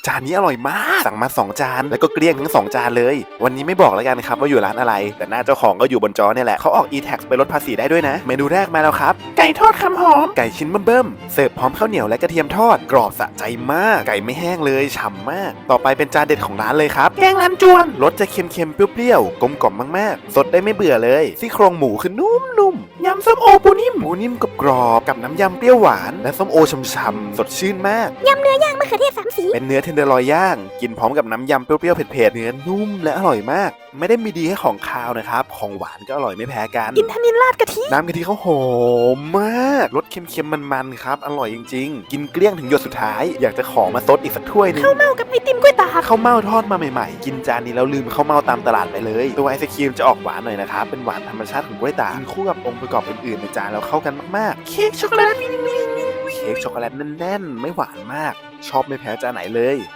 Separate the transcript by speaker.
Speaker 1: จานนี้อร่อยมากสั่งมา2จานแล้วก็เกลี้ยงทั้ง2จานเลยวันนี้ไม่บอกแล้วกันครับว่าอยู่ร้านอะไรแต่หน้าเจ้าของก็อยู่บนจอเนี่ยแหละเขาออก e-tax ไปลดภาษีได้ด้วยนะเมนูแรกมาแล้วครับไก่ทอดคำหอมไก่ชิ้นเบิ่มๆเสิร์ฟพร้อมข้าวเหนียวและกระเทียมทอดกรอบสะใจมากไก่ไม่แห้งเลยฉ่ำมากต่อไปเป็นจานเด็ดของร้านเลยครับแกงลำจวนรสจะเค็มๆเปรี้ยวๆกลมกล่อมมากๆสดได้ไม่เบื่อเลยซี่โครงหมูคือนุ่มๆยำส้มโอปูนิ่มกรอบๆกับน้ำยำเปรี้ยวหวานและส้มโอช่ำๆสดชื่นมาก
Speaker 2: ยำเนื้อย่างมะเขือเทศ3 สี
Speaker 1: เป็นเนื้อเทนเดอร์ลอยย่างกินพร้อมกับน้ำยำเปรี้ยวๆเผ็ดๆเนื้อนุ่มและอร่อยมากไม่ได้มีดีแค่ของคาวนะครับของหวานก็อร่อยไม่แพ้กัน
Speaker 2: อินทนิลราดกะทิ
Speaker 1: น้ำกะทิเขาหอมมากรสเค็มๆมันๆครับอร่อยจริงๆกินเกลี้ยงถึงหยดสุดท้ายอยากจะขอมาซดอีกสักถ้วยนึง
Speaker 2: ข้าวเม่ากับไอติมกล้วยตาก
Speaker 1: ข้าวเม่าทอดมาใหม่ๆกินจานนี้แล้วลืมข้าวเม่าตามตลาดไปเลยตัวไอศครีมจะออกหวานหน่อยนะครับเป็นหวานธรรมชาติของกล้วยตากกินคู่กับองค์ประกอบอื่นๆในจานแล้วเข้ากันมากๆเค้กช็อกโกแลตแน่นๆไม่หวานมากชอบไม่แพ้จานไหนเลย